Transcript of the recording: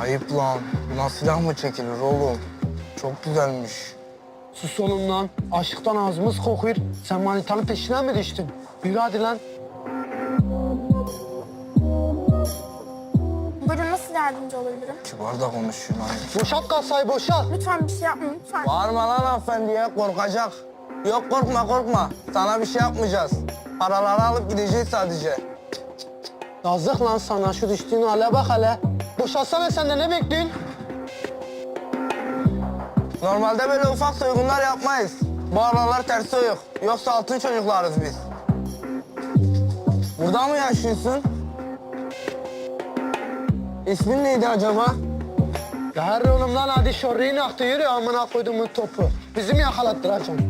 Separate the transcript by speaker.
Speaker 1: Ayıp lan. Buna silah mı çekilir oğlum? Çok güzelmiş.
Speaker 2: Sus oğlum lan. Aşıktan ağzımız kokuyor. Sen manitanın peşine mi düştün? Yürü hadi lan.
Speaker 3: Buyurun, nasıl yardımcı olabilirim?
Speaker 1: Kibar da konuşuyor lan.
Speaker 2: Boşalt kasayı boşalt.
Speaker 3: Lütfen bir şey yapmayın, lütfen.
Speaker 1: Bağırma lan hanımefendiye, korkacak. Yok korkma korkma. Sana bir şey yapmayacağız. Paraları alıp gideceğiz sadece.
Speaker 2: Yazık lan sana, şu düştüğün hale bak hele. Boşalsana, sen de ne bekliyorsun?
Speaker 1: Normalde böyle ufak soygunlar yapmayız. Bu aralar ters soyuk. Yoksa altın çocuklarız biz. Burada mı yaşıyorsun? İsmin neydi acaba?
Speaker 2: Ya her oğlum lan, hadi şorriyin aktı, yürü amına koyduğumun topu. Bizi mi yakalattıracaksın?